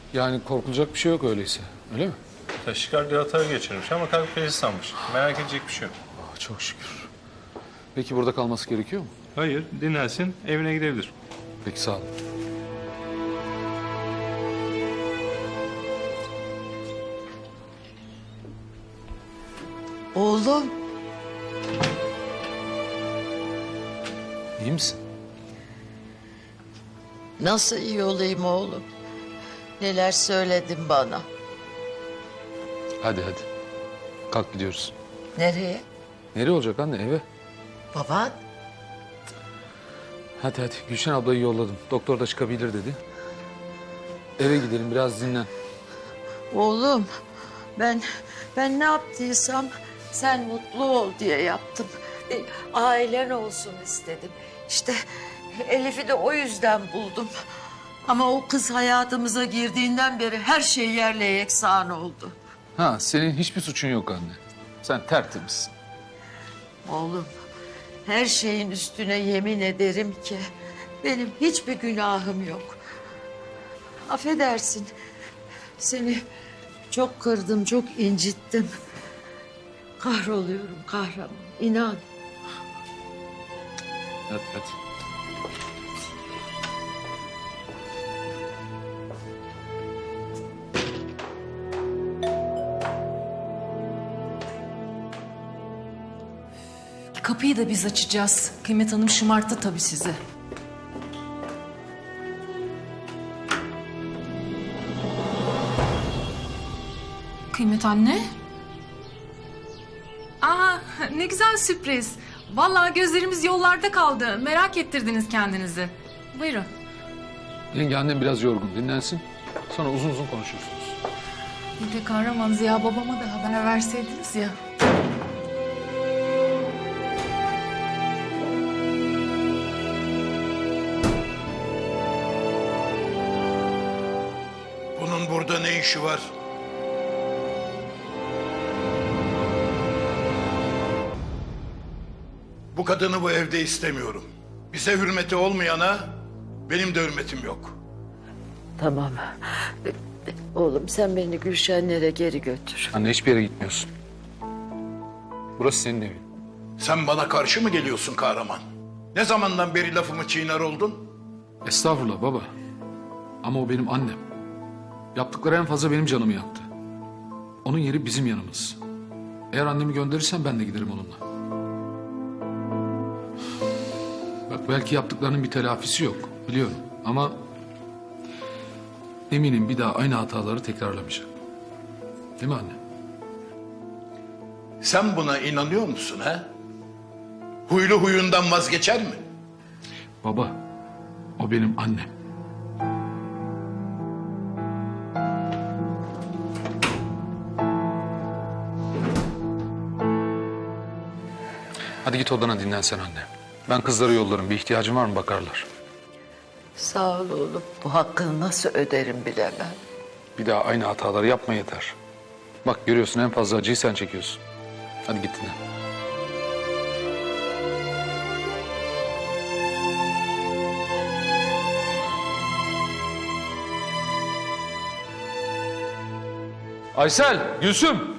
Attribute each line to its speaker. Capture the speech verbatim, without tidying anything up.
Speaker 1: Yani korkulacak bir şey yok öyleyse, öyle mi?
Speaker 2: Taşikardi hata geçirmiş ama kalp krizi sanmış. Merak edecek bir şey yok.
Speaker 1: Oh, çok şükür. Peki burada kalması gerekiyor mu?
Speaker 2: Hayır, dinlensin, evine gidebilir.
Speaker 1: Peki, sağ ol.
Speaker 3: Oğlum,
Speaker 1: İyi misin?
Speaker 3: nasıl iyi olayım oğlum? Neler söyledin bana?
Speaker 1: Hadi hadi. Kalk gidiyoruz.
Speaker 3: Nereye?
Speaker 1: Nereye olacak anne? Eve.
Speaker 3: Baban?
Speaker 1: Hadi hadi. Gülşen ablayı yolladım. Doktor da çıkabilir dedi. Eve gidelim, biraz dinlen.
Speaker 3: Oğlum, ben ben ne yaptıysam sen mutlu ol diye yaptım. Bir ailen olsun istedim. İşte Elif'i de o yüzden buldum. Ama o kız hayatımıza girdiğinden beri her şey yerle yeksan oldu.
Speaker 1: Ha, senin hiçbir suçun yok anne. Sen tertemizsin.
Speaker 3: Oğlum, her şeyin üstüne yemin ederim ki benim hiçbir günahım yok. Affedersin, seni çok kırdım, çok incittim. Kahroluyorum kahraman, inan.
Speaker 1: Hadi hadi.
Speaker 4: Kapıyı da biz açacağız. Kıymet Hanım şımarttı tabii sizi. Kıymet anne. Aa, ne güzel sürpriz. Vallahi gözlerimiz yollarda kaldı. Merak ettirdiniz kendinizi. Buyurun.
Speaker 1: Yenge, annem biraz yorgun. Dinlensin. Sonra uzun uzun konuşursunuz.
Speaker 4: Bir de kahraman Ziya babama da haber verseydiniz ya.
Speaker 5: Bunun burada ne işi var? Bu kadını bu evde istemiyorum. Bize hürmeti olmayana benim de hürmetim yok.
Speaker 3: Tamam. Oğlum sen beni Gülşenlere geri götür.
Speaker 1: Anne, hiçbir yere gitmiyorsun. Burası senin evin.
Speaker 5: Sen bana karşı mı geliyorsun kahraman? Ne zamandan beri lafımı çiğner oldun?
Speaker 1: Estağfurullah baba. Ama o benim annem. Yaptıkları en fazla benim canımı yaktı. Onun yeri bizim yanımız. Eğer annemi gönderirsen ben de giderim onunla. Bak, belki yaptıklarının bir telafisi yok, biliyorum. Ama eminim bir daha aynı hataları tekrarlamayacak. Değil mi anne?
Speaker 5: Sen buna inanıyor musun ha? Huylu huyundan vazgeçer mi?
Speaker 1: Baba, o benim annem. Hadi git odana, dinlen sen anne. Ben kızları yollarım. Bir ihtiyacın var mı bakarlar.
Speaker 3: Sağ ol oğlum. Bu hakkını nasıl öderim bilemem.
Speaker 1: Bir daha aynı hataları yapma yeter. Bak, görüyorsun, en fazla acıyı sen çekiyorsun. Hadi git dinlen. Aysel, Gülsüm.